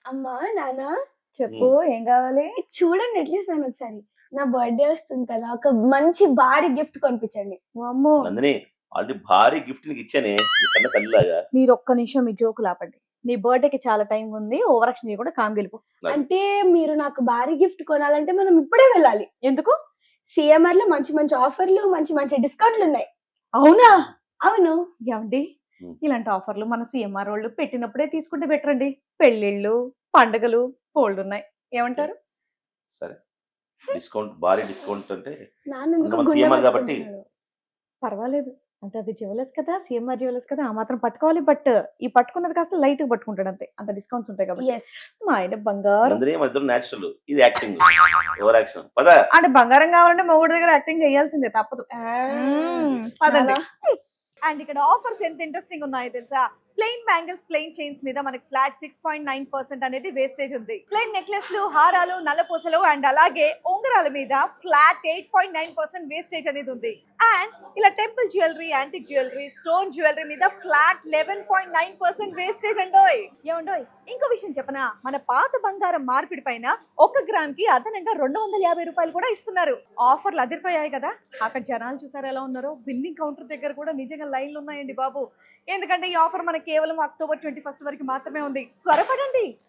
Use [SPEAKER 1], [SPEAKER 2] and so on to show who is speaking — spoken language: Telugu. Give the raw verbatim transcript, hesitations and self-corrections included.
[SPEAKER 1] అమ్మా, నాన్న
[SPEAKER 2] చెప్పు ఏం కావాలి?
[SPEAKER 1] చూడండి అట్లీస్ట్ నన్ను ఒకసారి. నా బర్త్‌డే వస్తుంది కదా! ఒక మంచి భారీ గిఫ్ట్ కొనిపించండి.
[SPEAKER 2] వామ్మో!
[SPEAKER 3] నందిని ఆల్రెడీ భారీ గిఫ్ట్ నీకు ఇచ్చానే నీ కన్న తల్లిలాగా.
[SPEAKER 2] మీరు ఒక్క నిమిషం మీ జోకులు ఆపండి. నీ బర్త్‌డేకి చాలా టైం ఉంది. ఓవర్ యాక్షన్ చేయకుండా కామ్‌గా వెళ్ళిపో.
[SPEAKER 1] అంటే మీరు నాకు భారీ గిఫ్ట్ కొనాలంటే మనం ఇప్పుడే వెళ్ళాలి.
[SPEAKER 2] ఎందుకు?
[SPEAKER 1] సీఎంఆర్‌లో మంచి మంచి ఆఫర్‌లు, మంచి మంచి డిస్కౌంట్‌లు ఉన్నాయి.
[SPEAKER 2] అవునా?
[SPEAKER 1] అవును.
[SPEAKER 2] ఏవండి?
[SPEAKER 3] హ్మ్.
[SPEAKER 2] ఇలాంటి ఆఫర్‌లు మన సీఎంఆర్ వోళ్ళు పెట్టినప్పుడే తీసుకుంటే బెటర్ అండి. పెళ్ళిళ్ళు, పండగలు బోలెడున్నాయి. ఏమంటారు?
[SPEAKER 3] సరే. డిస్కౌంట్ భారీ డిస్కౌంట్ అంటే
[SPEAKER 1] నాన్న ఎందుకో
[SPEAKER 3] మన
[SPEAKER 1] గుండె
[SPEAKER 3] సీఎంఆర్ కాబట్టి
[SPEAKER 1] పట్టుకుంటున్నాడు.
[SPEAKER 2] పర్వాలేదు. అంటే అది జ్యువెలర్స్ కదా! సీఎంఆర్ జ్యువెలర్స్ కదా! ఆ మాత్రం పట్టుకోవాలి. బట్ ఈ పట్టుకున్నది కాస్త లైట్‌గా పట్టుకుంటాడు అంతే. అంత డిస్కౌంట్స్ ఉంటాయి కాబట్టి.
[SPEAKER 1] యెస్.
[SPEAKER 2] మా ఆయన బంగారం.
[SPEAKER 3] నందిని మన ఇద్దరు నేచురల్ ఇది యాక్టింగ్ ఓవర్ యాక్షన్ పద.
[SPEAKER 2] అంటే బంగారం కావాలంటే మొగుడు దగ్గర యాక్టింగ్ చేయాల్సిందే తప్పదు.
[SPEAKER 1] ఆ!
[SPEAKER 2] మ్మ్. పదండి.
[SPEAKER 1] నాన్న,
[SPEAKER 2] అండ్ ఇక్కడ ఆఫర్స్ ఎంత ఇంట్రెస్టింగ్ ఉన్నాయో తెలుసా? ప్లెయిన్ బ్యాంగిల్స్, ప్లెయిన్ చైన్స్ మీద మనకి flat six point nine percent అనేది వేస్టేజ్ ఉంది. ప్లెయిన్ నెక్లెస్లు, హారాలు, నల్లపూసలు అండ్ అలాగే ఉంగరాల మీద flat eight point nine percent wastage అనేది ఉంది. అండ్ ఇలా temple jewellery, antique jewellery, stone jewellery మీద flat eleven point nine percent wastage అండోయ్. ఏమండోయ్? ఇంకో విషయం చెప్పనా? మన పాత బంగారం మార్పిడి పైన ఒక గ్రామ్ కి అదనంగా రెండు వందల యాభై రూపాయలు కూడా ఇస్తున్నారు. ఆఫర్లు అదిరిపోయాయి కదా! అక్కడ జనాలు చూసారు ఎలా ఉన్నారో. బిల్లింగ్ కౌంటర్ దగ్గర కూడా నిజంగా లైన్లు ఉన్నాయండి బాబు. ఎందుకంటే ఈ ఆఫర్ మనకి కేవలం అక్టోబర్ ట్వంటీ ఫస్ట్ వరకు మాత్రమే ఉంది. త్వరపడండి.